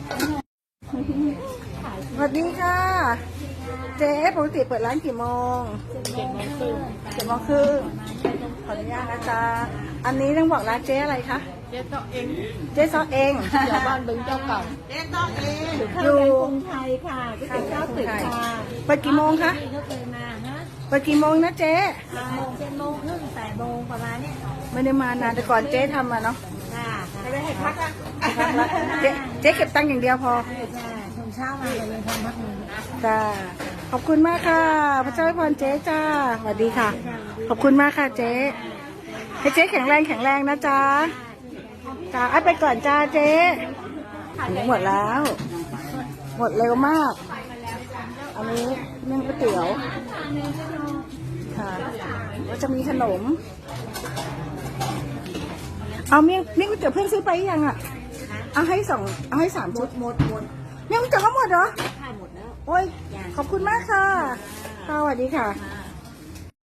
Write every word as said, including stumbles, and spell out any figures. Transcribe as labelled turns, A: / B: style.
A: สวัสดีค่ะเจ๊ปกติเปิดร้านกี่โมง
B: เจ็ดโมงครึ่ง
A: เจ็ดโมงครึ่งขออนุญาตนะจ๊ะอันนี้ต้องบอกร้านเจ๊อะไรคะ
B: เจ๊ต่อเอง
A: เจ๊ซอเอง
B: อยู่บ้านบึงเจ้าเก่าเจ๊ต่อเอง
A: อยู่
B: กรุงไทยค่ะที่เป็นเจ้าตึกค่ะ
A: เปิดกี่โมงคะ
B: เขาเคยมาฮะ
A: เปิดกี่โมงนะเจ๊
B: เจ็ดโมงเจ็ดโมงครึ่งแปดโมงประมาณนี้
A: ไม่ได้มานานแต่ก่อนเจ๊ทำมาเนาะ
B: ค่ะไม่ได้ให้พักอ่ะ
A: เจ๊เจ๊เก็บตังค์อย่างเดียวพอ
B: ใช่ใช่ชมเช้ามาเลยทำพักนึง
A: จ้าขอบคุณมากค่ะพระเจ้าให้พรเจ๊จ้าสวัสดีค่ะขอบคุณมากค่ะเจ๊ให้เจ๊แข็งแรงแข็งแรงนะจ๊ะจ้าไอ้ไปก่อนจ้าเจ๊หมดแล้ว หมดเร็วมากอันนี้นึ่งก๋วยเตี๋ยวค่ะก็จะมีขนมเอาเมี่ยงเมี่ยงก๋วยเตี๋ยวเพื่อนซื้อไปยังอ่ะเอาให้สองเอาให้สามชุดหมดหมดเมี่ยงก๋วยเตี๋ยวก็หมดเหรอ
B: ถ่ายหมดแล้ว
A: โอ้ยขอบคุณมากค่ะค่ะสวัสดีค่ะ